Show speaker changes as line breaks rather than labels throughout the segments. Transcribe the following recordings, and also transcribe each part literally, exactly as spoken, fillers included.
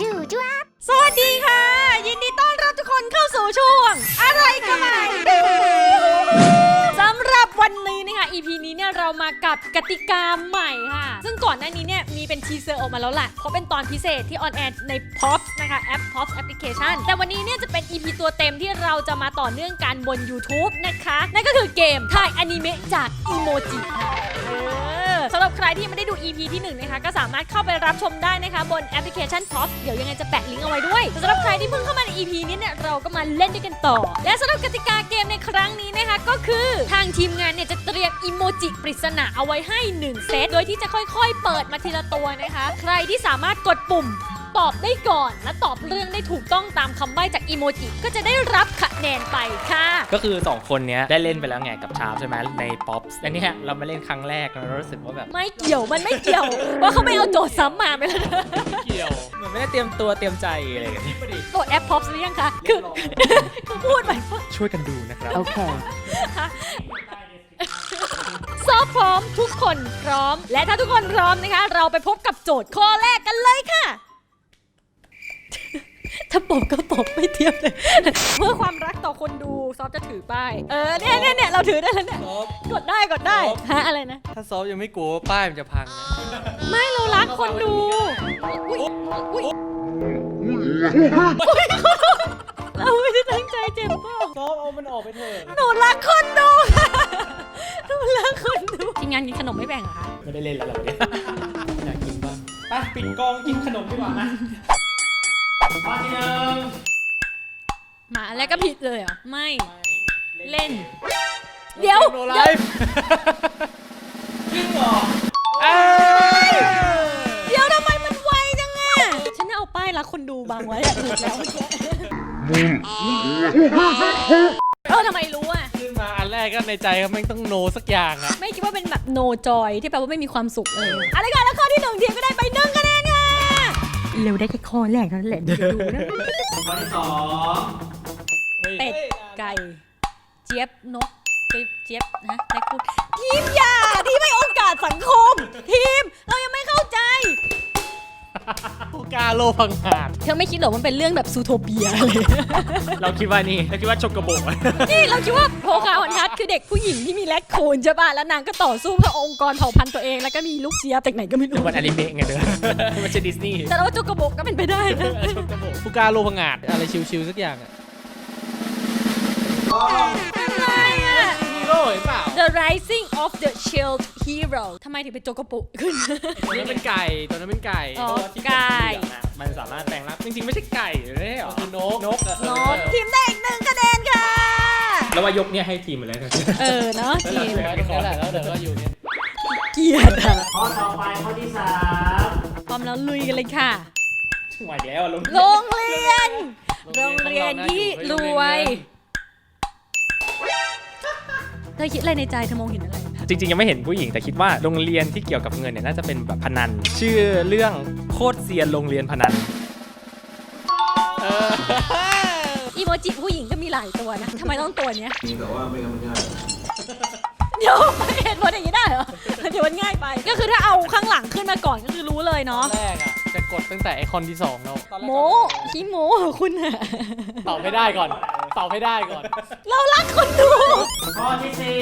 จู่จ้า
สวัสดีค่ะยินดีต้อนรับทุกคนเข้าสู่ช่วงอะไรก็ไม่สำหรับวันนี้นะคะ อี พี นี้เนี่ยเรามากับกติกาใหม่ค่ะซึ่งก่อนหน้านี้เนี่ยมีเป็นทีเซอร์ออกมาแล้วแหละเพราะเป็นตอนพิเศษที่ออนแอร์ใน พ็อปส์ นะคะแอป พ็อปส์ Application แต่วันนี้เนี่ยจะเป็น อี พี ตัวเต็มที่เราจะมาต่อเนื่องกันบน YouTube นะคะนั่นก็คือเกมถ่ายอนิเมะจากอีโมจิค่ะสำหรับใครที่ยังไม่ได้ดู อี พี ที่หนึ่งนะคะก็สามารถเข้าไปรับชมได้นะคะบนแอปพลิเคชัน พ็อปส์ เดี๋ยวยังไงจะแปะลิงก์เอาไว้ด้วยสำหรับใครที่เพิ่งเข้ามาใน อี พี นี้เนี่ยเราก็มาเล่นด้วยกันต่อและสำหรับกติกาเกมในครั้งนี้นะคะก็คือทางทีมงานเนี่ยจะเตรียมอีโมจิปริศนาเอาไว้ให้หนึ่งเซตโดยที่จะค่อยๆเปิดมาทีละตัวนะคะใครที่สามารถกดปุ่มตอบได้ก่อนและตอบเรื่องได้ถูกต้องตามคำใบ้จากอีโมจิก็จะได้รับคะแนนไปค่ะ
ก็คือสองคนเนี้ยได้เล่นไปแล้วไงกับชาร์ปใช่ไหมใน พ็อปส์ และเนี่ยเรามาเล่นครั้งแรกเรารู้สึกว่าแบบ
ไม่เกี่ยวมันไม่เกี่ยวว่าเขาไม่เอาโจทย์ซ้ำมาไปแล้ว
เกี่ยวเหมือนไม่ได้เตรียมตัวเตรียมใจอะไรอย่างเงี้ย
โหลดแอป พ็อปส์ หรือยังคะคือคือพูดไป
ช่วยกันดูนะครับ
โอเค
ซอฟพร้อมทุกคนพร้อมและถ้าทุกคนพร้อมนะคะเราไปพบกับโจทย์ข้อแรกกันเลยค่ะถ้าปบก็ปบไม่เทียบเลยเพื่อความรักต่อคนดูซอฟจะถือป้ายเออเนี่ยเนี่ยเนี่ยเราถือได้แล้วเนี่ยกดได้กดได้ฮะอะไรนะ
ถ้าซอฟยังไม่กลัวป้ายมันจะพัง
ไม่เรารักคนดูอุ้ยอุ้ยเราไม่ได้ตั้งใจเจ็บเปล่า
ซอฟเอามันออกไปเถอะ
หนูรักคนดูหนูรักคนดูทีมงานกินขนมไม่แบ่งเหรอคะ
ไม่ได้เล่นแล้วเหรอเนี่ยอยากกินบ้างไปปิดกองกินขนมดีกว่านะข้อที่หนึ่ง
มาแล้วก็ผิดเลยเหรอไม่เล่นเดี๋ยว
โนไลฟ์จริงเหรอ
เดี๋ยวทำไมมันไวจังอะฉันเอาป้ายรักคนดูบางไว้อะถูกแล้วเออทำไมรู้อะ
ขึ้นมาอันแรกก็ในใจก็ไม่ต้องโนสักอย่างอะ
ไม่คิดว่าเป็นแบบโนจอยที่แปลว่าไม่มีความสุขเลยอะไรกันแล้วข้อที่หนึ่งทีมก็ได้ไปหนึ่งคะแนนค่ะเร็วได้แค่ข้อแรกเท่านั้นแหละเดี๋ยวดูนะ
ข้อที่สอง
เป็ดไก่เจี๊ยบนกเจี๊ยบนะได้พูดทีมอย่าทีมไม่โอกาสสังคมทีมเรายังไม่เข้าใจ
ผู้กาโลพังหาด
เธอไม่คิดหรอมันเป็นเรื่องแบบซูโทเปียเลย
เราคิดว่านี่เราคิดว่าชกกระโบก
นี่เราคิดว่าโพคาฮอนทัสคือเด็กผู้หญิงที่มีแรคคูนใช่ป่ะแล้วนางก็ต่อสู้เพื่อองค์กรเผ่าพันธุ์ตัวเองแล้วก็มีลูกเจี๊ยบจากไหนก็ไม่รู้
มันอนิเมะไงเด้อมันจะดิสนีย์
แต่เราว่าชกกระโบกก็เป็นไปได้นะ
ชกกระโบกผู้กาโลพังหาดอะไรชิวๆสักอย่างอะ
อะไรอะ
ฮีโร่เห็นเปล่า
The Rising of the Shield Hero ทำไมถึงเป็นโจกโปขึ้น
ตัวนั้นเป็นไก่ตัวนั้นเป็นไก่
อ๋อไก่
มันสามารถแปลงร่างจริงๆไม่ใช่ไก่ไม่ใช่หรอคือนก
นกนกทีมได้อีกหนึ่งคะแนนค่ะ
แล้วว่ายกเนี่ยให้ทีมหมดเลย
เออเนาะทีม
แล้วแหละแล้วเดี๋ยวก็อยู่เนี่ย
เกียรติ
ข้อต่อไปข้อที่สาม
พร้อมแล้วลุยกันเลยค่ะ
ไหวแล้วโรง
เรียนโรงเรียนที่รวยเธอคิดอะไรในใจเธอมองเห็นอะไร
จริงๆยังไม่เห็นผู้หญิงแต่คิดว่าโรงเรียนที่เกี่ยวกับเงินเนี่ยน่าจะเป็นแบบพนันชื่อเรื่องโคตรเซียนโรงเรียนพนัน
อีโมจิผู้หญิงก็มีหลายตัวนะทำไมต้องตัวเนี้ย
มีแต่ว่าไม่งั้นมันง่าย
เดี๋ยวไม่เห็นว่าอย่างนี้ได้เหรอเดี๋ยวมันง่ายไปก็คือถ้าเอาข้างหลังขึ้นมาก่อนก็คือรู้เลยเนาะ
แรกอะจะกดตั้งแต่ไอคอนที่สองแล้ว
โมขี้โมคุณอะ
ตอบไม่ได้ก่อนตอบไม่ได้ก่อน
เรารักคนดู
ข้อที่สี่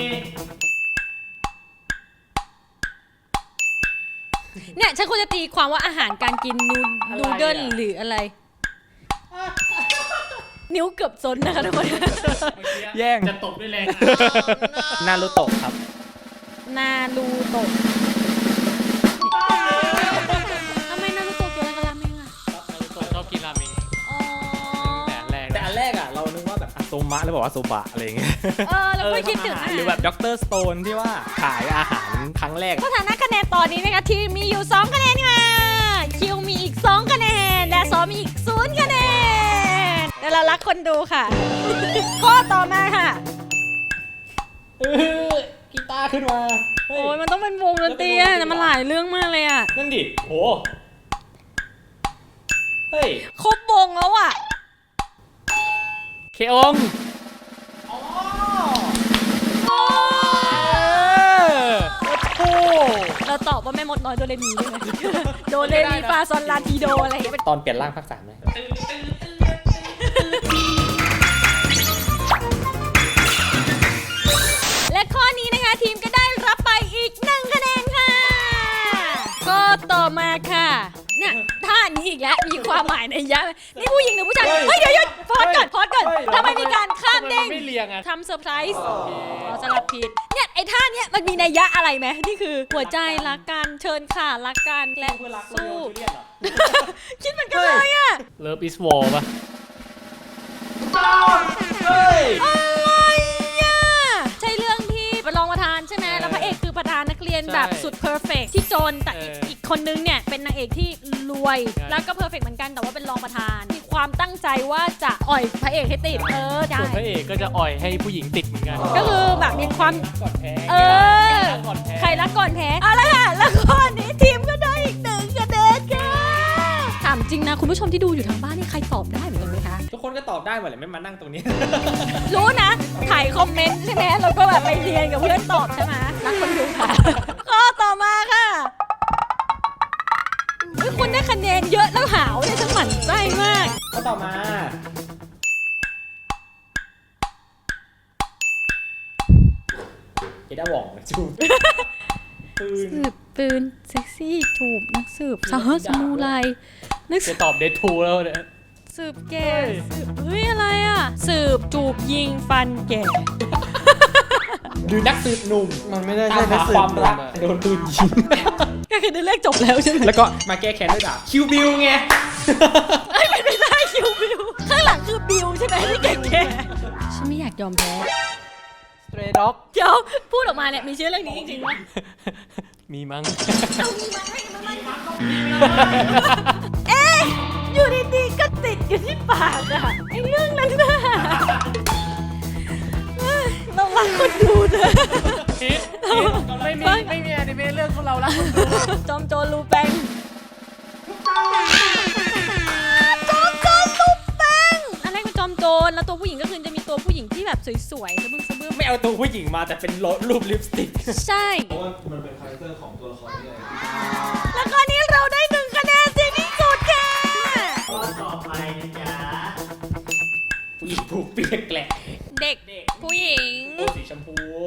เนี่ยฉันควรจะตีความว่าอาหารการกินนูนูเดิลหรืออะไรนิ้วเกือบซนนะคะทุกคน
แย่งจะตบด้วยแรงนารูโตะครับ
นารูโตะทำไมนารูโตะเกี่ยวอะไรกับราเมงอ่ะ
นารูโตะชอบกินราเมง
อ๋อ
แต่อันแรกแต่อันแรกอ่ะเรานึกว่าแบบโซมะแล้วบอกว่าโซบะอะไรอย่างเงี้ย
เออเราไม่คิดถึง
หรือแบบด็อกเตอร์สโตนที่ว่าขายอาหารครั้งแรก
สถานะคะแนนตอนนี้นะคะทีมมีอยู่สองคะแนนค่ะคิวมีอีกสองคะแนนและซอมีอีกศูนย์คะแนนแต่เรารักคนดูค่ะข้อต่อมาค่ะ
กีตาร์ขึ้นมา
โอ้ยมันต้องเป็นวงดนตรีอ่ะมันหลายเรื่องมากเลยอ่ะ
นั่นดิโหเฮ้ย
ครบวงแล้วอ่ะ
เคองอ๋อโอ้
เราตอบว่าแม่มดน้อยโดเรมีได้ไหม โดเรมีฟาซอนลาทีโดอะไรอย่างเงี้ย
ตอนเปลี่ยนร่างภาคสามเลย
และข้อนี้นะคะทีมก็ได้รับไปอีกหนึ่งคะแนนค่ะก็ต่อมาค่ะเนี่ยท่านี้อีกแล้วมีความหมายในยะนี่ผู้หญิงหรือผู้ชายเฮ้ยเดี๋ยวหยุดพอดก่อนพอดก่อนทำไมมีการข้ามเด้ง
ไม่เรียงอ่ะ
ทำเซอร์ไพรส์เราสลับผิดเนี่ยไอ้ท่าเนี้ยมันมีนัยยะอะไรไหมนี่คือหัวใจรักกันเชิญค่ะรักกันและสู้ คิดเหมือนกันเลยอะ
Love is War ป่ะ
เฮ้ย
อะไรอะใช่เรื่องที่เป็นรองประธานใช่ไหมแล้วพระเอกคือประธานนักเรียนแบบสุดเพอร์เฟกที่จนแต่อีกอีกคนนึงเนี่ยเป็นนางเอกที่รวยแล้วก็เพอร์เฟกเหมือนกันแต่ว่าเป็นรองประธานมีความตั้งใจว่าจะอ่อยพระเอกให้ติดเออใช่
ส่วนพระเอกก็จะอ่อยให้ผู้หญิงติดเหมือนกัน
ก็คือแบบมีความ
ก่อนแพ้
เออใครรักก่อนแพ้เอาละค่ะแล้วข้อนี้ทีมก็ได้อีกหนึ่งคะแนนค่ะถามจริงนะคุณผู้ชมที่ดูอยู่ทางบ้านนี่ใครตอบได้เหมือนกันไหมคะ
ทุกคนก็ตอบได้หมดเลยไม่มานั่งตรงนี้
รู้นะถ่ายคอมเมนต์ใช่ไหมแล้วก็แบบไปเรียนกับเพื่อนตอบใช่ไหมรักคนดูค่ะ ข้อต่อมาค่ะเฮ้ยคุณได้คะแนนเยอะแล้วหาวเนี่ยฉันหมั่นไส้มาก
ก็ต่อมา เอด้าหว่องจูบปืน
สืบปืนเซ็กซี่จูบนักสืบสหสมูไรนักสื
จะ
บ
ตอบเดทูแล้วเนี่ย
สืบแก่สืบเฮ้ยอะไรอ่ะสืบจูบยิงฟันแก่
หรือนักสืบหนุ่ม
มันไม่ได้
ตาม
ใช่นั
หาก
สื
ค
บ
วามรักโดนปืนยิง
ก็คือได้เลขจบแล้วใช่ไหม
แล้วก็มาแก้แค้นด้วยดาบคิวบิลไง
ไอ้ยเป็นไม่ได้คิวบิวข้างหลังคือบิวใช่ไหมที่แก่ๆฉันไม่อยากยอมแพ้
Stray Dog
เดี๋ยวพูดออกมาเนี่ยมีชื่อเรื่องนี้จริงๆวะ
มีมั้ง
เอามีมาให้มาไม่มาเอ๊ะอยู่ดีๆก็ติดอยู่ที่ปากอะไอ้เรื่องนั้นน่ะเอ้ยเรารักคนดูเถอะ
พิษไม่มีไม่มีอนิเมะเรื่องของเราละ
จอมโจรลูแปงจอมโจรลูแปงอันแรกเป็นจอมโจรแล้วตัวผู้หญิงก็คือจะมีตัวผู้หญิงที่แบบสวยๆสะบึ้งสะบึ้ง
ไม่เอาตัวผู้หญิงมาแต่เป็นรูปลิปสติก
ใช่
เพราะว่ามันเป็นคาแรคเตอร์ของตัวละครที่อะไร
แล้วก็นี้เราได้หนึ่งคะแนนเสียที่สุดค่ะ
ผู้หญิงผูกเปียกแกละ
เด็กผู้หญิง
ตัวสีชมพู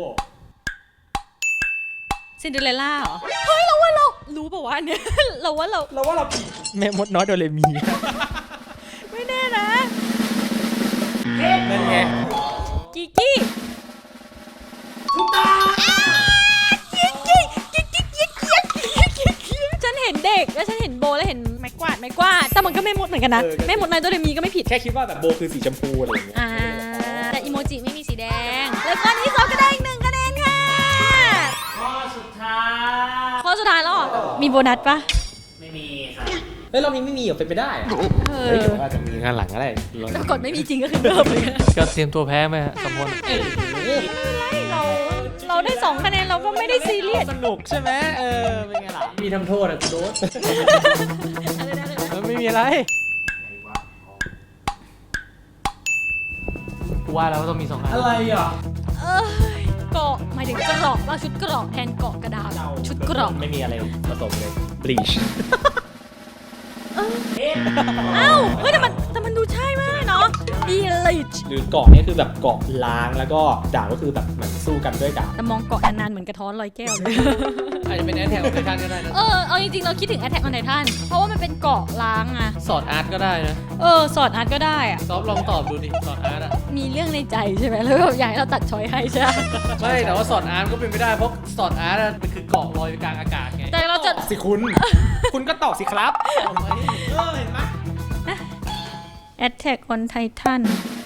ซินเดอเรลล่าเหรอ เฮ้ย เราว่าเรา รู้ป่าวะเนี่ย เราว่าเรา
เราว่าเราผิดแม่มดน้อยโดเรมี
ไม่แน่นะ
นั่นไง
กิกกี้ถูกต้องกิกกี้กิกกี้กิกกี้กิกกี้ฉันเห็นเด็กแล้วฉันเห็นโบแล้วเห็นไม้กวาดไม้กวาดแต่มันก็ไม่หมดเหมือนกันนะแม่หมดในตัวเดมีก็ไม่ผิด
แค่คิดว่าแบบโบคือสีชมพูอะไรอย่างเงี้ย
อ่าแต่อีโมจิไม่มีสีแดง แล้วข้อนี้ซอฟก็ได้อีกหนึ่งคะแนนค่ะ
ข้อสุดท้าย
ข้อสุดท้ายแล้วเหรอมีโบนัสปะ
ไม่มีครับเฮ้ยเรามีไม่มีเหรอเป็นไปได้อะ
เอ
เฮ้ย
อ
เดี๋ยวอาจจะมีงานหลังก็ได้
แต่กดไม่มีจริงก็คือเริ่มเลย
ก็เตรียมตัวแพ้ไหมฮะสมพล
ไม่เราเราได้สองคะแนนเราก็ไม่ได้ซีเรียส
สนุกใช่ไหมเออเป็นไงล่ะมีทำโทษอะกูโดน
อะไรนะอะไรนะ
เออไม่มีอะไรกูว่าแล้วว่าต้องมีสองอัน
อะไรอ่ะ
เอ้ยเกาะหมายถึงกรอกว่าชุดกรอกแทนเกาะกระดาษชุดกรอก
ไม่มีอะไรผสมเลย bleach
เอ้าเฮ้ยแต่มันแต่มันดูใช่มากเนาะดีลิช
หรือเกาะเนี่ยคือแบบเกาะล้างแล้วก็ดาบก็คือแบบเหมือนสู้กันด้วยดาบ
แต่มองเกาะนานๆเหมือนกระท้อนลอยแก้วเลย
อาจจะเป็นแอนแทกของไททันก็ได้นะ
เออเอาจริงๆเราคิดถึง Attack on Titan เพราะว่ามันเป็นเกาะล้างอะ
สอดอาร์ตก็ได้นะ
เออสอดอาร์ตก็ได้อะ
ซอฟลองตอบดูดิสอดอาร์ตอะ
มีเรื่องในใจใช่ไหมแล้วแบบอยากให้เราตัดช้อยให้ใช่ไหม
ไม่แต่ว่าสอดอาร์ตก็เป็นไม่ได้เพราะสอดอาร์ตอะมันคือเกาะลอยอยู่กลางอากาศไง
แต่เราจะ
สิคุณ คุณก็ตอบสิครับเออเห็นไหม
Attack on Titan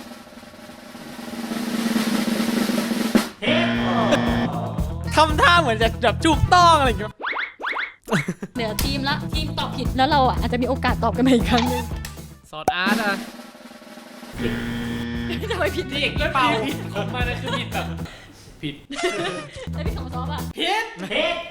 ทำท่าเหมือนจะแบบถูกต้องอะไรอย่างเงี้ย
เดี๋ยวทีมละทีมตอบผิดแล้วเราอ่ะอาจจะมีโอกาสตอบกันใหม่อีกครั้งหนึง
สอดอาร์ตอะ
ทำไมผิด
เด็กด้วยเปล่าผิดของมันนะคือผิดแบบผิด
แล้วพี่ของซอฟอ่ะ
ผิดผิด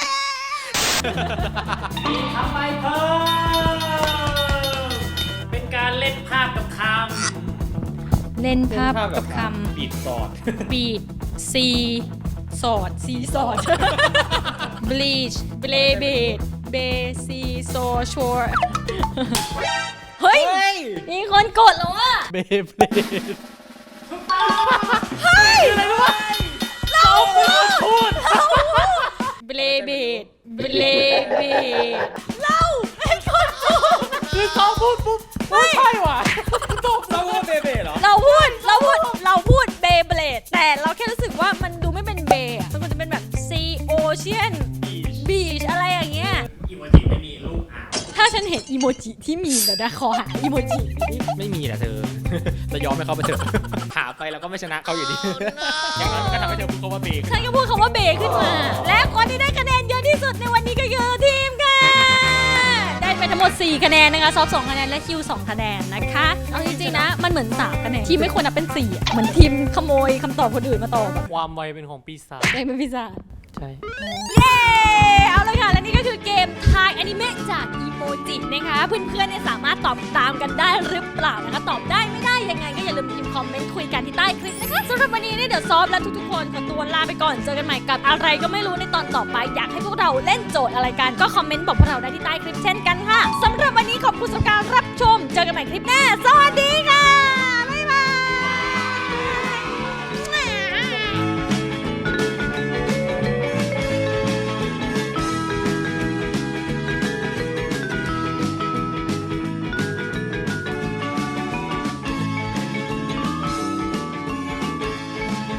ทำไมเพิ่มเป็นการเล่นภาพกับค
เล่น
ำ
ภาพกับค
ปิดสอด
ำปีดซีสอดซีสอด bleach blade base so short เฮ้ย มีคนกดแล้วอะ
เบเบลด
เฮ้ย
อะไรรู้ปะเราพูด
เบลเบดเบลเบดเราเป็นคนพูด
คือเขาพูดปุ๊บไม่ใช่ว่ะตบ
เราว่าเบเบ้เหรอ
เราพูด เราพูด เราพูดเบเบลดแต่เราแค่รู้สึกว่ามันดูไม่เป็นเบอะมันควรจะเป็นแบบ sea ocean beach อะไรอย่างเงี้ย
อีโมจิไม่มีรูปอ่าว
ถ้าฉันเห็นอีโมจิที่มีเดี๋ยวนะขอหาอีโมจิ
ไม่มีแหละเธอ จะยอมให้เขาไปเถอะหาไปแล้วก็ไม่ชนะเขาอยู่ดี อย่างนั้นมันก็ทำให้เธอพูดคำว่าเบรก
ฉันก็พูดคำว่าเบขึ้นมา และคนที่ได้คะแนนเยอะที่สุดในวันนี้ก็คือทีมค่ะ ได้ไปทั้งหมดสี่คะแนนนะคะซอฟสองคะแนนและคิวสองคะแนนนะคะเอาจริงๆนะมันเหมือนสามคะแนนทีมไม่ควรนับเป็นสี่อะเหมือนทีมขโมยคำตอบคนอื่นมาตอบอะ
ความไวเป็นของปีศาจ
ได้เป็นพิซซ่า
ใช่
เย้เอาเลยค่ะ และนี่ก็คือเกมทายอนิเมะจากอีโมจินะคะ เพื่อนๆเนี่ยสามารถตอบตามกันได้หรือเปล่านะคะ ตอบได้ไม่ได้ยังไงก็อย่าลืมพิมพ์คอมเมนต์คุยกันที่ใต้คลิปนะคะสำหรับวันนี้เนี่ยเดี๋ยวซอฟและทุกๆคนขอตัวลาไปก่อนเจอกันใหม่กับอะไรก็ไม่รู้ในตอนต่อไป อยากให้พวกเราเล่นโจทย์อะไรกันก็คอมเมนต์บอกพวกเราได้ที่ใต้คลิปเช่นกันค่ะสำหรับวันนี้ขอบคุณสำหรับการรับชมเจอกันใหม่คลิปหน้าสวัสดีค่ะ